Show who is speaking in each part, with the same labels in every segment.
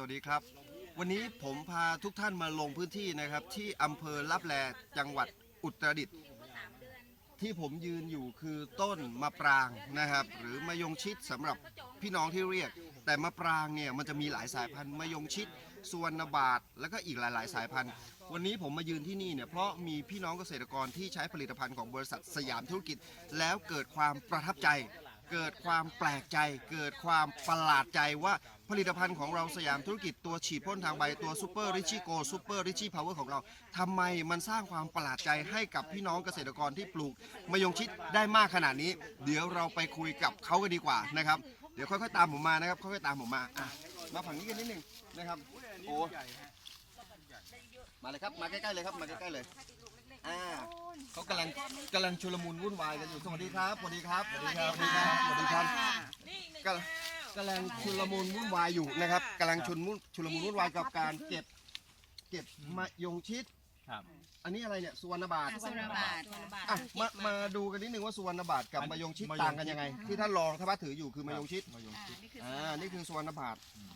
Speaker 1: วัสดีครับวันนี้ผมพาทุกท่านมาลงพื้นที่นะครับที่อำเภอลับแลจังหวัดอุตรดิตถ์ที่ผมยืนอยู่คือต้นมะปรางนะครับหรือมะยงชิดสำหรับพี่น้องที่เรียกแต่มะปรางเนี่ยมันจะมีหลายสายพันธุ์มะยงชิดสุวรรณบาทแล้วก็อีกหลายๆสายพันธุ์วันนี้ผมมายืนที่นี่เนี่ยเพราะมีพี่น้องเกษตรกรที่ใช้ผลิตภัณฑ์ของบริษัทสยามธุรกิจแล้วเกิดความประทับใจเกิดความแปลกใจเกิดความประหลาดใจว่าผลิตภัณฑ์ของเราสยามธุรกิจตัวฉีดพ่นทางใบตัวซูเปอร์ริชี่โกซูเปอร์ริชี่พาวเวอร์ของเราทำไมมันสร้างความประหลาดใจให้กับพี่น้องเกษตรกรที่ปลูกมะยงชิดได้มากขนาดนี้เดี๋ยวเราไปคุยกับเขากันดีกว่านะครับเดี๋ยวค่อยๆตามผมมานะครับค่อยๆตามผมมามาฝั่งนี้กันนิดนึงนะครับโอ้มาเลยครับมาใกล้ๆเลยครับมาใกล้ๆเลยเขากำลังชุลมุนวุ่นวายกันอยู่สวัสดีครับสวัสดีครับสวัสดีครับสวัสดีครับสวัสดีครับกำลังชุลมุนวุ่นวายอยู่นะครับกำลังชุลมุนวุ่นวายกับการเก็บมะยงชิด
Speaker 2: ครับ
Speaker 1: อันนี้อะไรเนี่ยสุวรรณบาท
Speaker 3: สุวรรณบาท
Speaker 1: มาดูกันนิดนึงว่าสุวรรณบาทกับมะยงชิดต่างกันยังไงที่ท่านรองท่านถืออยู่คือมะยงชิดนี่คือสุวรรณบาท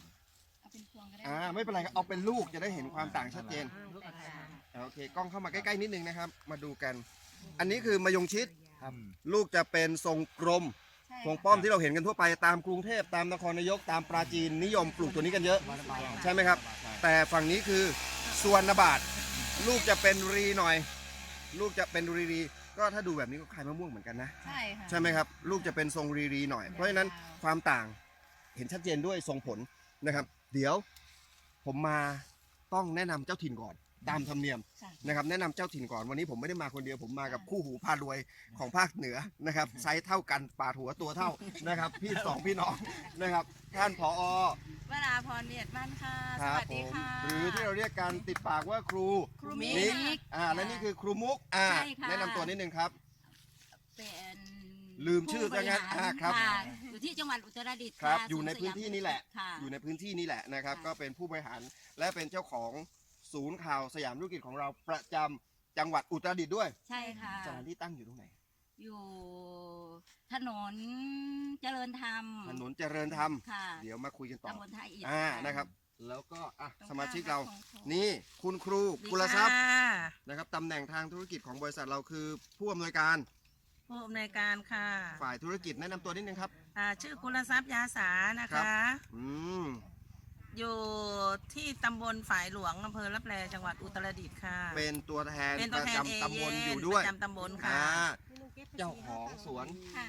Speaker 1: ไม่เป็นไรครับเอาเป็นลูกจะได้เห็นความต่างชัดเจนโอเคกล้องเข้ามาใกล้ๆนิดนึงนะครับมาดูกันอันนี้คือมะยงชิดลูกจะเป็นทรงกลมทรงป้อมที่เราเห็นกันทั่วไปตามกรุงเทพตามนครนายกตามปราจีนนิยมปลูกตัวนี้กันเยอะใช่ไหมครับแต่ฝั่งนี้คือสุวรรณบาทลูกจะเป็นรีหน่อยลูกจะเป็นรีก็ถ้าดูแบบนี้ก็คล้ายมะม่วงเหมือนกันนะใช่ไหมครับลูกจะเป็นทรงรีหน่อยเพราะฉะนั้นความต่างเห็นชัดเจนด้วยทรงผลนะครับเดี๋ยวผมมาต้องแนะนำเจ้าถิ่นก่อนตามธรรมเนียมนะครับแนะนำเจ้าถิ่นก่อนวันนี้ผมไม่ได้มาคนเดียวผมมากับคู่หูพารวยของภาคเหนือนะครับไซส์เท่ากันปาดหัวตัวเท่านะครับพี่น้องนะครับท่านผอ.
Speaker 3: วราพรเวียดมั่นค่ะสวัสดีค่ะ
Speaker 1: หรือที่เราเรียกกันติดปากว่าครู
Speaker 3: มิก
Speaker 1: และนี่คือครูมุกแนะนำตัวนิดนึงครับ
Speaker 3: เป็น
Speaker 1: ลืมชื่อจังงั้นครับ
Speaker 3: อยู่ที่จังหวัดอุตรดิตถ์
Speaker 1: ครับอยู่ในพื้นที่นี่แหละอยู่ในพื้นที่นี่แหละนะครับก็เป็นผู้บริหารและเป็นเจ้าของศูนย์ข่าวสยามธุรกิจของเราประจำจังหวัดอุตรดิตถ์ด้วย
Speaker 3: ใช่ค่ะ
Speaker 1: สถานที่ตั้งอยู่ตรงไหน
Speaker 3: อยู่ถนนเจริญธรรมเดี๋ยวมาคุยกันต่อตำบลท่าอิฐ
Speaker 1: นะครับแล้วก็สมาชิกเรานี่คุณครูกุลทรัพย์นะครับตำแหน่งทางธุรกิจของบริษัทเราคือผู้อำนวยการ
Speaker 4: ค่ะ
Speaker 1: ฝ่ายธุรกิจแนะนำตัวนิดนึงครับ
Speaker 4: ชื่อกุลทรัพย์ยาสานะคะอยู่ที่ตำบลฝายหลวงอำเภอลับแลจังหวัดอุตรดิตถ์ค่ะ
Speaker 1: เป็นตัวแทนประจำตำบลอยู่ด้วย
Speaker 4: ประจำตำบลค่ะ
Speaker 1: เจ้าของสวน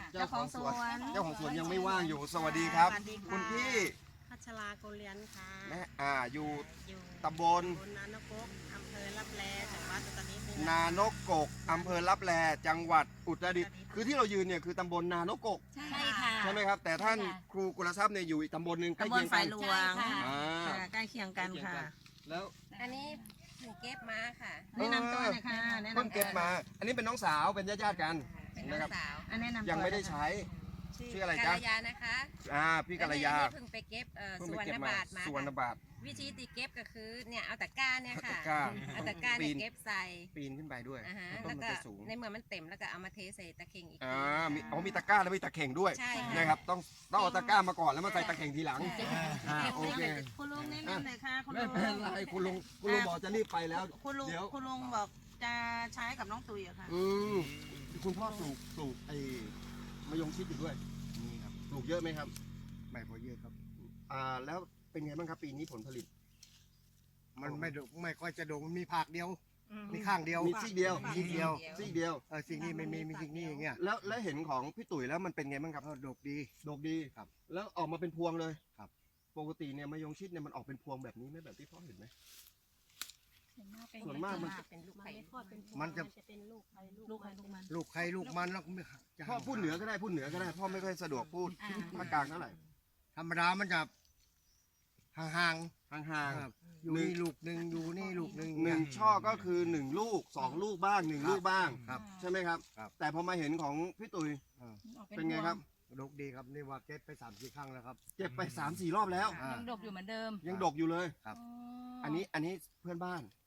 Speaker 1: ยังไม่ว่างอยู่สวัสดีครับคุณพี่
Speaker 4: พัชราโกเลียนค่ะ
Speaker 1: อยู่ตำบล
Speaker 4: นานกกอำเภอลับแลจังหวัดอุตรดิตถ์
Speaker 1: นานกกอำเภอลับแลจังหวัดอุตรดิตถ์คือที่เรายืนเนี่ยคือตำบลนานกก
Speaker 3: ใช่ค่ะ
Speaker 1: ใช่ไหมครับแต่ท่านครูกุลทรัพย์เนี่ยอยู่อีกตำบลหนึ่งใกล้เคียงกัน
Speaker 4: ใกล้เคียงกันค่ะ
Speaker 1: แล้ว
Speaker 3: อันนี้ถึงเก็บมาค่ะ
Speaker 4: แนะนำตัวนะคะ
Speaker 1: เพิ่งเก็บมาอันนี้เป็นน้องสาวเป็นญาติกัน
Speaker 3: นะครับ
Speaker 1: ยังไม่ได้ใช้ชื่ออะไรจ๊ะ
Speaker 3: กัลยานะคะ
Speaker 1: พี่กัลยา
Speaker 3: เพิ่งไปเก็บสุวรรณบาทมาวิธีตีเก็บก็คือเนี่ยเอาตะกร้าเนี่ยค่ะเอาตะกร้าเนี่ยเก็บใส่
Speaker 1: ปีนขึ้นไปด้วย
Speaker 3: แล้วก็ในเมื่อมันเต็มแล้วก็เอามาเทใส่ตะเข่งอีก
Speaker 1: มีตะกร้าแล้วมีตะเข่งด้วยนะครับต้องเอาตะกร้ามาก่อนแล้วมาใส่ตะเข่งทีหลังโอเค
Speaker 4: คุณลุงแนะนำหน่อยค่ะ
Speaker 1: ไม่เป็นไรคุณลุงบอกจะรีบไปแล้ว
Speaker 4: คุณลุงบอกจะใช้กับน้องตุยอะค่ะ
Speaker 1: คุณพ่อปลูกไอ้มะยงชิดอยู่ด้วยนี่ครับปลูกเยอะไหมครับไม่พอเยอะครับแล้วเป็นไงบ้างครับปีนี้ผลผลิต
Speaker 5: มันไม่ค่อยจะโด่งมีผักเดียวมีข้างเดียว
Speaker 1: มีซีกเดียว
Speaker 5: สิ่งนี้ไม่มีสิ่งนี้อย่างเงี้ย
Speaker 1: แล้วเห็นของพี่ตุ๋ยแล้วมันเป็นไงบ้างครับ
Speaker 5: ดกดี
Speaker 1: ครับแล้วออกมาเป็นพวงเลย
Speaker 5: ครับ
Speaker 1: ปกติเนี่ยมะยงชิดเนี่ยมันออกเป็นพวงแบบนี้ไหมแบบที่พ่อเห็นไหมส่วนมากมันจะเป็นลูกไข่
Speaker 5: มันจะเป็นลูกใครลูกมันแล้ว
Speaker 1: พ่อพูดเหนือก็ได้พ่อไม่ค่อยสะดวกพูดภาคกลางเท่าไหร่
Speaker 5: ธรรมดามันจะห่างอยู่นี่ลูกหนึ่งอยู่นี่ลูกหนึ่ง
Speaker 1: ช่อก็คือ1 ลูก2 ลูกบ้าง1 ลูกบ้างใช่ไหมครับแต่พอมาเห็นของพี่ตุ๋ยเป็นไงครับ
Speaker 5: ดกดีครับนี่ว่าเก็บไป3-4 ครั้งแล้วครับ
Speaker 1: เก็บไป3-4 รอบแล้ว
Speaker 3: ยังดกอยู่เหมือนเดิม
Speaker 1: ยังดกอยู่เลย
Speaker 5: ครับ
Speaker 1: อันนี้เพื่อนบ้าน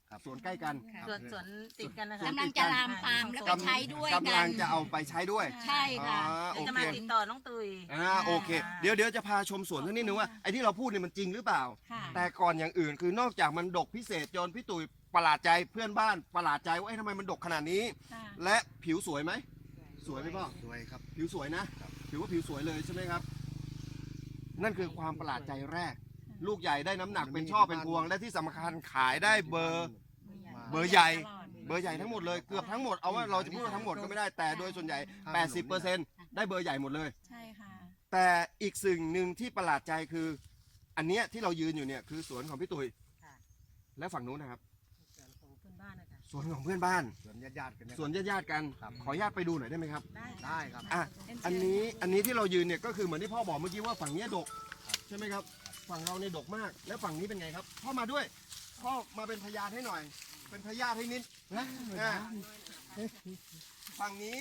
Speaker 1: สวนใกล้กัน
Speaker 4: สวนติดกันนะคะ
Speaker 2: กำลังจะลามปามแล้วไปใช้ด้วย
Speaker 1: กำ
Speaker 2: กั
Speaker 1: ลั
Speaker 2: น
Speaker 1: งจะเอาไปใช้ด้วย
Speaker 2: ใช่ค่ะ
Speaker 1: โอ
Speaker 4: เดี๋ยวจะ
Speaker 1: เค
Speaker 4: มาติดต่อน้องตุย
Speaker 1: โอเคเดี๋ยวจะพาชมสวนสักนิดนึงว่าไอ้ที่เราพูดเนี่ยมันจริงหรือเปล่า
Speaker 2: ค่ะ
Speaker 1: แต่ก่อนอย่างอื่นคือนอกจากมันดกพิเศษจนพี่ตุ๋ยประหลาดใจเพื่อนบ้านประหลาดใจว่าทำไมมันดกขนาดนี้ และผิวสวยไหมสวยไหมพ่อ
Speaker 5: สวยครับ
Speaker 1: ผิวสวยนะถือว่าผิวสวยเลยใช่ไหมครับ นั่นคือความประหลาดใจแรก ลูกใหญ่ได้น้ำหนักเป็นช่อเป็นพวง และที่สำคัญขายได้เบอร์ใหญ่ เบอร์ใหญ่ทั้งหมดเลยเกือบทั้งหมดเอาว่าเราจะพูดว่าทั้งหมดก็ไม่ได้แต่โดยส่วนใหญ่ 80%ได้เบอร์ใหญ่หมดเลย
Speaker 4: ใช่ค่ะ
Speaker 1: แต่อีกสิ่งหนึ่งที่ประหลาดใจคือ อันเนี้ยที่เรายืนอยู่เนี่ยคือสวนของพี่ตุ๋ยและฝั่งนู้นนะครับสวนของเพื่อนบ้าน
Speaker 5: สวนญาติๆกันนะ
Speaker 1: สวนญาติๆกันขออนุญาตไปดูหน่อยได้ไหมครับ
Speaker 5: ได้ครับ
Speaker 1: อ่ะอันนี้ที่เรายืนเนี่ยก็คือเหมือนที่พ่อบอกเมื่อกี้ว่าฝั่งเนี้ยดกใช่ไหมครับ ฝั่งเราเนี่ยดกมาก แล้วฝั่งนี้เป็นไงครับพ่อมาด้วยพ่อมาเป็นพยานให้หน่อย เป็นพยานให้นิดนะฝั่งนี้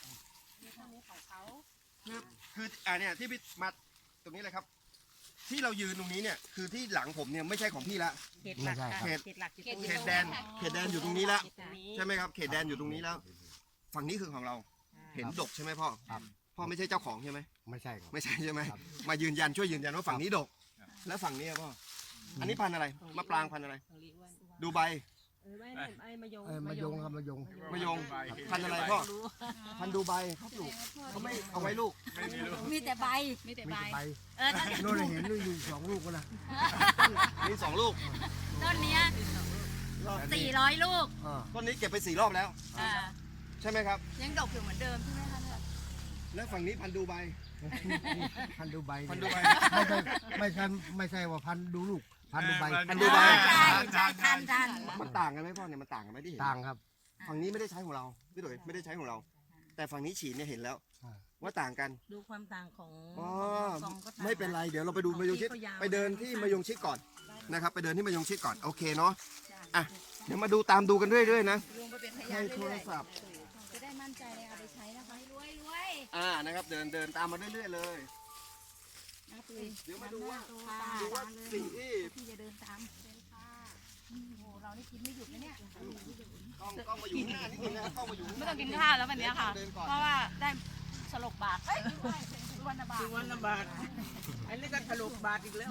Speaker 1: คือเนี่ยที่พี่มาตรงนี้เลยครับ ที่เรายืนตรงนี้เนี่ยคือที่หลังผมเนี่ยไม่ใช่ของพี่ละ
Speaker 5: ไม่ใช่ครับ
Speaker 1: เขตแดนอยู่ตรงนี้แล้วใช่ไหมครับเขตแดนอยู่ตรงนี้แล้ว ฝั่งนี้คือของเราเห็นดกใช่ไหมพ่อ
Speaker 5: ครับ
Speaker 1: พ่อไม่ใช่เจ้าของใช่ไหม
Speaker 5: ไม่ใช่ครับ
Speaker 1: ไม่ใช่ใช่ไหม
Speaker 5: ครับ
Speaker 1: มายืนยันช่วยยืนยันว่าฝั่งนี้ดก แล้วฝั่งนี้อะพ่ออันนี้พันธุ์อะไรมะปรางพันธุ์อะไร ดูใบ
Speaker 5: มายงครับมายง
Speaker 1: มะยงพันธุ์อะไรพ่อพันธุ์ดูใบครับลูกเขาไม่เอาไว้ลูก
Speaker 2: มีแต่ใบ
Speaker 5: มีแต่ใบโน่นเห็นอยู่2 ลูกก็นะ
Speaker 1: มี2 ลูก
Speaker 2: ต้นเนี้ย400 ลูก
Speaker 1: ต้นนี้เก็บไป4 รอบแล้ว ใช่ไหมครับ
Speaker 2: ยังดกอยู่เหมือนเดิมใช่ไหมคะเนี่ย
Speaker 1: แล้วฝั่งนี้พันธุ์ดูใบ
Speaker 5: พันดูใบ
Speaker 1: พันดูใบ
Speaker 5: ไม่ใช่ว่าพันดูลูก พันดูใบ
Speaker 1: พันดูใบ
Speaker 2: ใช่ใช่ทัน
Speaker 1: มันต่างกันไหมพ่อเนี่ยมันต่างกันไหมที่เห็น
Speaker 5: ต่างครับ
Speaker 1: ฝั่งนี้ไม่ได้ใช้ของเราพี่ตุ๋ยไม่ได้ใช้ของเรา แต่ฝั่งนี้ฉีดเนี่ยเห็นแล้ว
Speaker 5: อ่า
Speaker 1: ว่าต่างกัน
Speaker 4: ดูความต่างของ
Speaker 1: อ๋อ
Speaker 4: ซองก็ต่าง
Speaker 1: ไม่เป็นไรเดี๋ยวเราไปดูมะยงชิด
Speaker 4: ที่เขายาว
Speaker 1: ไปเดินที่มะยงชิดก่อนนะครับไปเดินที่มะยงชิดก่อนโอเคเนาะอ่ะเดี๋ยวมาดูตามดูกันเรื่อยๆนะ
Speaker 2: รวมไปเป็นพ
Speaker 1: ให้
Speaker 2: ยาน
Speaker 1: โทรศัพท์
Speaker 2: จะได้มั่นใจในเอาไปใช้นะคะรวยรวย
Speaker 1: นะครับเดินตามมาเรื่อยๆเลย
Speaker 2: นะตุย
Speaker 1: เดี๋ยวมาดูว่า
Speaker 2: ค่ะ
Speaker 1: ดูว่าสิ่งที่
Speaker 2: พี่จะเดินตามเป็นค่ะโอ้โหเรานี่กินไม่หยุดนะเนี่ย
Speaker 1: ต้องมาอยู่ข้างหน้านิดนึงนะครับต้องมาอยู่ข้างห
Speaker 6: ไม่
Speaker 1: น้า
Speaker 6: ต้องกินข้าวแล้ววันนี้ค่ะ
Speaker 1: เดินก่อน
Speaker 6: เพราะว่าได้สลบบาทวันละบาท
Speaker 4: วันละบาท อันนี้ก็ถลุบาทอีกแล้ว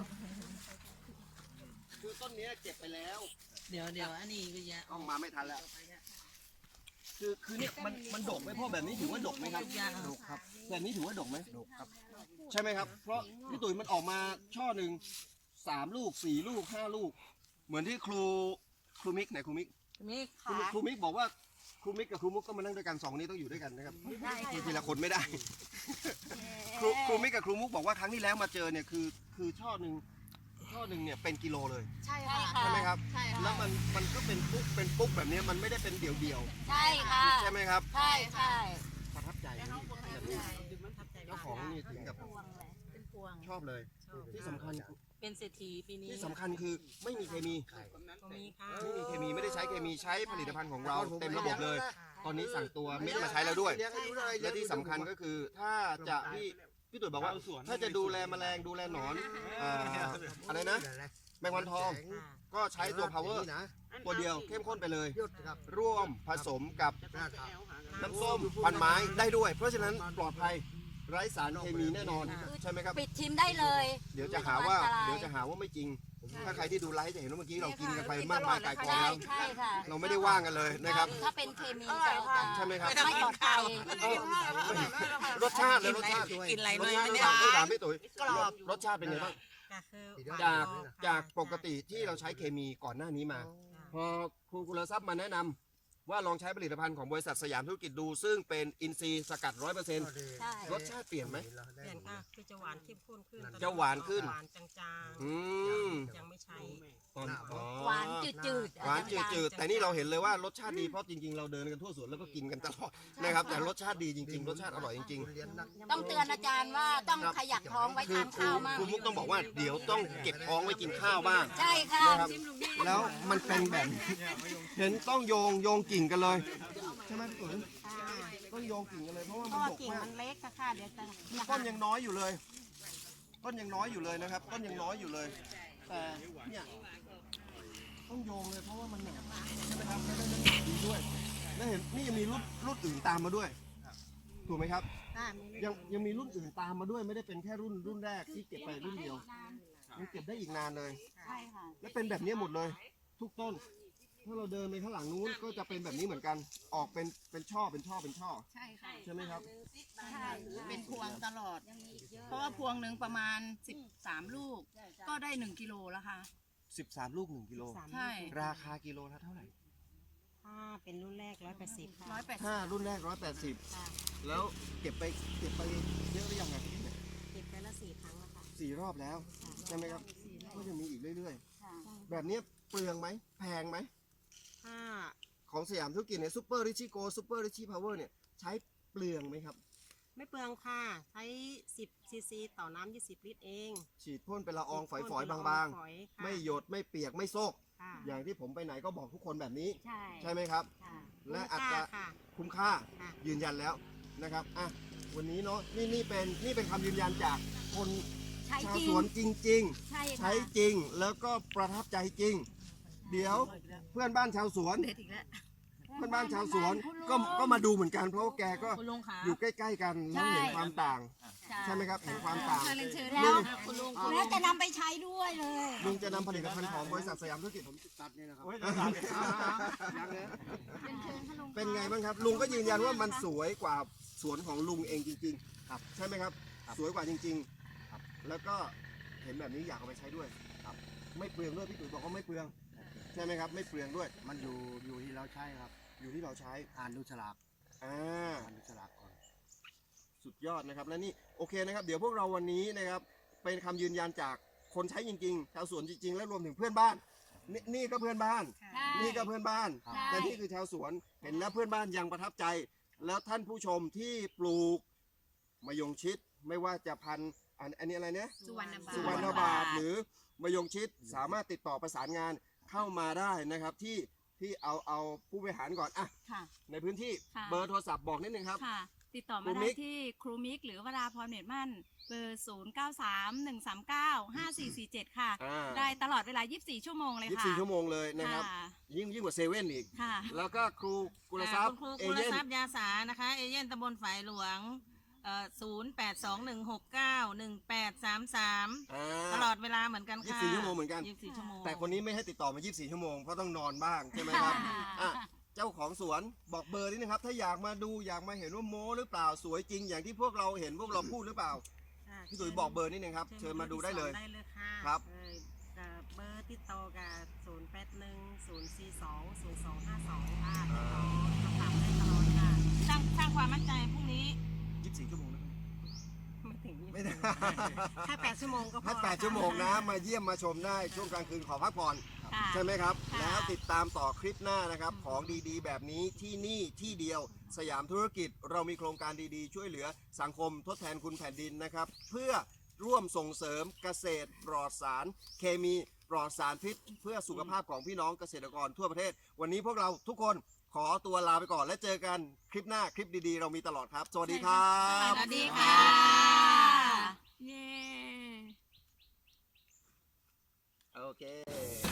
Speaker 1: คือต้นเนี้ยเก็บไปแล้ว
Speaker 4: เดี๋ยวอันนี้ก็จะ
Speaker 1: ต้องมาไม่ทันแล้วคือเนี่ยมันดกไหมพ่อแบบนี้ถือว่าดกไหมครับดกครับแบบนี้ถือว่าดกไหมดกครับ ใช่ไหมครับ เพราะพี่ตุ๋ยมันออกมาช่อหนึ่ง3 ลูก 4 ลูก 5 ลูก เหมือนที่ครูมิกไหนครูมิก
Speaker 4: นี่
Speaker 1: ครูมิกบอกว่าครูมิกกับครูมุกก็มานั่งด้วยกัน2 นี้ต้องอยู่ด้วยกันนะครับคือทีละคนไม่ได้ ครูมิกกับครูมุกบอกว่าครั้งที่แล้วมาเจอเนี่ยคือช่อหนึ่งเนี่ยเป็นกิโลเลย
Speaker 2: ใช่ค่ะ
Speaker 1: ใช่ไหมครับ
Speaker 2: ใช่ค่ะ
Speaker 1: แล้วมันก็เป็นปุ๊กแบบนี้มันไม่ได้เป็นเดี่ยว
Speaker 2: ใช่ค่ะ
Speaker 1: ๆใช่ไหมครับ
Speaker 2: ใช่ใช่
Speaker 1: ประทับใจเจ้าของนี่ถึงกับชอบเลย ที่สำคัญ
Speaker 4: เป็นเศรษฐีปีนี้
Speaker 1: ที่สำคัญคือไม่มีเคมี
Speaker 4: มีค่ะ
Speaker 1: ไม่มีเคมีไม่ได้ใช้เคมีใช้ผลิตภัณฑ์ของเราเต็มระบบเลย ตอนนี้สั่งตัวเม็ดมาใช้แล้วด้วย และที่สำคัญก็คือถ้าจะพี่ตุ๋ยบอกว่าถ้าจะดูแลแมลงดูแลหนอนอะไรนะแมงวันทอง ก็ใช้ตัว power ตัวเดียวเข้มข้นไปเลย ร่วมผสมกับน้ำส้มพันไม้ได้ด้วย เพราะฉะนั้นปลอดภัยไร้สารเคมีแน่นอนใช่ไหมครับ
Speaker 2: ปิดทิมได้เลย
Speaker 1: เดี๋ยวจะหาว่าไม่จริง ถ้าใครที่ดูไลฟ์จะเห็นว่าเมื่อกี้เรากินกันไปมากมายกายกอง
Speaker 2: ใช่
Speaker 1: แล้ว
Speaker 2: ใช่ค่ะ
Speaker 1: เราไม่ได้ว่างกันเลยนะครับ
Speaker 2: ถ้าเป็นเคมีจะ
Speaker 1: ใช่ไหมครับ
Speaker 2: ไม่ปลอดภัย
Speaker 1: รสชาติเลยรสชาติ
Speaker 4: กินอะไร
Speaker 1: ร
Speaker 4: เล
Speaker 1: ส
Speaker 4: ย
Speaker 1: ชาติ
Speaker 4: ไม่
Speaker 1: ต้
Speaker 4: ได้
Speaker 1: องถามพี่ตุ๋ยรสชาติเป็นไงบ้าง
Speaker 4: คือ
Speaker 1: จากปกติที่เราใช้เคมีก่อนหน้านี้มา พอครูกุลทรัพย์มาแนะนำว่าลองใช้ผลิตภัณฑ์ของบริษัทสยามธุรกิจดู ซึ่งเป็นอินทรีย์สกัด 100%
Speaker 2: ใช่
Speaker 1: รสชาติเปลี่ยนไหม
Speaker 4: เปลี่ยนค่ะคือจะหวานเข้มข้นขึ้น
Speaker 1: จะหวานขึ้น
Speaker 4: หวานจาง
Speaker 1: อืม
Speaker 4: ๆยังไม่ใช้
Speaker 2: หวานจืดๆ
Speaker 1: หวานจืดๆแต่นี่เราเห็นเลยว่ารสชาติดีเพราะจริงๆเราเดินกันทั่วสวนแล้วก็กินกันตลอดนะครับแต่รสชาติดีจริงๆรสชาติอร่อยจริงๆ
Speaker 2: ต้องเตือนอาจารย์ว่าต้องขยักท้องไว้
Speaker 1: คือ
Speaker 2: ทาน
Speaker 1: ครู
Speaker 2: ข้าวมาก
Speaker 1: ครูมุกต้องบอกว่าเดี๋ยวต้องเก็บท้องไว้กินข้าวบ้าง
Speaker 2: ใช่ค่ะ
Speaker 1: นะครับแล้วมันเป็นแบบนี้เห็นต้องโยงกิ่งกันเลยใช่ไหมพี่ตุ๋ยต้องโยงกิ่งกันเลยเพราะว่ามันดก
Speaker 2: กิ่ง
Speaker 1: มาก
Speaker 2: มันเล็กค่ะเดี๋ยวจะ
Speaker 1: ต้นยังน้อยอยู่เลย ต้นยังน้อยอยู่เลยนะครับ ต้นยังน้อยอยู่เลย แต่เนี่ยต้องโยงเลยเพราะว่ามันหนักใช่ไหมครับแล้วได้น้ำหนักดีด้วยแล้วเห็นนี่ยังมีรุ่นอื่นตามมาด้วยถูกไหมครับยังมีรุ่นอื่นตามมาด้วยไม่ได้เป็นแค่รุ่นแรกที่เก็บไปรุ่นเดียวยังเก็บได้อีกนานเลย
Speaker 6: ใช่ค่ะ
Speaker 1: และเป็นแบบนี้หมดเลย ทุกต้น ถ้าเราเดินไปข้างหลังนู้นก็จะเป็นแบบนี้เหมือนกัน ออกเป็นช่อ
Speaker 6: ใช่ค่ะ
Speaker 1: ใช่ไหมครับ
Speaker 6: ใช่เป็นพวงตลอด เพราะว่าพวงหนึ่งประมาณ13ลูก ก็ได้1กิโลแล้วค่ะ
Speaker 1: 13 ลูก 1 กิโล
Speaker 6: ใช่
Speaker 1: ราคากิโลละเท่าไหร่
Speaker 7: ถ้าเป็นรุ่นแรก180ค่ะ
Speaker 1: ถ้ารุ่นแรก 180 แล้วเก็บไปเยอะหรือยังไง
Speaker 7: เก็บไปละ4 ครั้งแล้วค่ะ
Speaker 1: 4 รอบแล้ว ใช่ไหมครับ ก็ยังมีอีกเรื่อย
Speaker 6: ค่ะ
Speaker 1: ๆ แบบนี้เปลืองไหม แพงไหม
Speaker 7: ถ้า
Speaker 1: ของสยามธุรกิจเนี่ยซูเปอร์ริชี่โกซูเปอร์ริชี่พาวเวอร์เนี่ยใช้เปลืองไหมครับ
Speaker 7: ไม่เปลืองค่ะ ใช้10 ซีซีต่อน้ำ20 ลิตรเอง
Speaker 1: ฉีดพ่นเป็นละอองฝอยๆ
Speaker 7: เป็นละออง
Speaker 1: บาง
Speaker 7: ฝอย
Speaker 1: ๆ
Speaker 7: ค่ะ
Speaker 1: ไม่หยดไม่เปียกไม่โซก
Speaker 7: ค่ะ
Speaker 1: อย่างที่ผมไปไหนก็บอกทุกคนแบบนี้
Speaker 7: ใช่
Speaker 1: ใช่ไหมครับ
Speaker 7: ค่ะ
Speaker 1: และอัตรา
Speaker 7: ค่ะ
Speaker 1: คุ้มค่า
Speaker 7: ค่ะ
Speaker 1: ยืนยันแล้วนะครับอ่ะวันนี้เนาะนี่เป็นคำยืนยันจากคน
Speaker 6: ใช่
Speaker 1: ชาว
Speaker 6: จริง
Speaker 1: สวนจริง
Speaker 6: ใช่
Speaker 1: ๆ
Speaker 6: ค่ะ
Speaker 1: ใช้จริงแล้วก็ประทับใจจริง เดี๋ยวเพื่อนบ้านชาวสวน
Speaker 6: เด็ดอีกแล้ว
Speaker 1: เพื่อนบ้านชาวสวนก็มาดูเหมือนกันเพราะว่าแกก็
Speaker 4: คุณลุงคะ
Speaker 1: อยู่ใกล้ๆกันแล้วเห็นความต่าง ใช่ไหมครับเห็นความต่าง
Speaker 6: แล้ว
Speaker 4: คุณลุง
Speaker 6: แล้วจะนำไปใช้ด้วยเลย
Speaker 1: ลุงจะนำผลิตภัณฑ์ของบริษัทสยามธุรกิจผม
Speaker 5: ตัดนี่นะครับ
Speaker 1: เป็นไงบ้างครับ ลุงก็ยืนยันว่ามันสวยกว่าสวนของลุงเองจริงๆครับใช่ไหมครับ สวยกว่าจริงๆครับแล้วก็เห็นแบบนี้อยากเอาไปใช้ด้วยครับไม่เปลืองด้วยพี่ตุ๋ยบอกว่าไม่เปลืองใช่ไหมครับไม่เปลืองด้วย
Speaker 5: มันอยู่ที่เราใช้ครับ
Speaker 1: อยู่ที่เราใช้
Speaker 5: อ่านดูฉลาก
Speaker 1: อ่า
Speaker 5: อ่านดูฉลากก่อน
Speaker 1: สุดยอดนะครับและนี่โอเคนะครับเดี๋ยวพวกเราวันนี้นะครับเป็นคำยืนยันจากคนใช้จริงๆชาวสวนจริงๆ และรวมถึงเพื่อนบ้านนี่ก็เพื่อนบ้าน นี่ก็เพื่อนบ้าน
Speaker 6: ใช่
Speaker 1: แต่นี่คือชาวสวนเห็นแล้วเพื่อนบ้านยังประทับใจ แล้วท่านผู้ชมที่ปลูกมะยงชิดไม่ว่าจะพันธุ์อันนี้อะไรเนี่ย
Speaker 6: สุวรรณบาท
Speaker 1: สุวรรณบาทหรือมะยงชิดสามารถติดต่อประสานงานเข้ามาได้นะครับที่เอาผู้บริหารก่อนอ่ะ
Speaker 2: ค่ะ
Speaker 1: ในพื้นที่
Speaker 2: ค่ะ
Speaker 1: เบอร์โทรศัพท์บอกนิดนึงครับ
Speaker 2: ค่ะ ติดต่อ
Speaker 1: ครู
Speaker 2: มา
Speaker 1: มิ
Speaker 2: ได้
Speaker 1: ก
Speaker 2: ที่ครูมิกหรือวราพรเน็ตมั่น เบอร์ 0931395447 ค่ะ
Speaker 1: อ่า
Speaker 2: ได้ตลอดเวลา 24 ชั่วโมงเลยค่ะ
Speaker 1: 24 ชั่วโมงเลยนะครับ
Speaker 2: ค่ะ
Speaker 1: ยิ่งกว่าเซเว่นอีก
Speaker 2: ค่ะ
Speaker 1: แล้วก็ครูกุลทรัพย์
Speaker 4: คุณครู
Speaker 1: เอ
Speaker 4: กุล
Speaker 1: เย่น
Speaker 4: ทรัพย์ยาสานะคะ เอเย่นตำบลฝายหลวง0821691833 ตลอดเวลาเหมือนกันค่ะ
Speaker 1: 24 ชั่วโมงเหมือนกัน
Speaker 4: 24 ชั่วโมง
Speaker 1: แต่คนนี้ไม่ให้ติดต่อมา 24 ชั่วโมง เพราะต้องนอนบ้าง ใช่ไหมครับ อ่ะ เจ้าของสวนบอกเบอร์นิดนึงครับ ถ้าอยากมาดูอยากมาเห็นว่าโม้หรือเปล่า สวยจริงอย่างที่พวกเราเห็นพวกเราพูดหรือเปล่า
Speaker 7: ค่ะ
Speaker 1: พี่ตุ๋ยบอกเบอร์นิดนึงครับ เชิญมาดูได้เลย
Speaker 7: ได้เลยค่ะ
Speaker 1: ครับ
Speaker 7: เบอร์ติดต่อกับ0810420252ค่ะติดต่อสอบถามได้ตลอดค่ะ
Speaker 4: สร้างความมั่นใจพรุ่งนี้
Speaker 1: 24 ชั่วโมงนะครับ
Speaker 7: ไม่ถึง
Speaker 1: ไม่ได้
Speaker 7: แค่8 ชั่วโมงก็พอ
Speaker 1: ถ้า 8 ชั่วโมงนะ มาเยี่ยมมาชมได้ช่วงกลางคืนขอพักผ่อน
Speaker 2: ค่ะ
Speaker 1: ใช่ไหมครับ
Speaker 2: ค่ะ
Speaker 1: แล้วติดตามต่อคลิปหน้านะครับ ของดีๆ แบบนี้ที่นี่ที่เดียวสยามธุรกิจเรามีโครงการดีๆ ช่วยเหลือสังคมทดแทนคุณแผ่นดินนะครับ เพื่อร่วมส่งเสริมเกษตรปลอดสาร เคมีปลอดสารพิษ เพื่อสุขภาพของพี่น้องเกษตรกรทั่วประเทศ วันนี้พวกเราทุกคนขอตัวลาไปก่อนและเจอกันคลิปหน้าคลิปดีๆ เรามีตลอดครับ สวัสดีครับ
Speaker 4: สวัสดีค่ะ
Speaker 2: เย้
Speaker 1: โอเค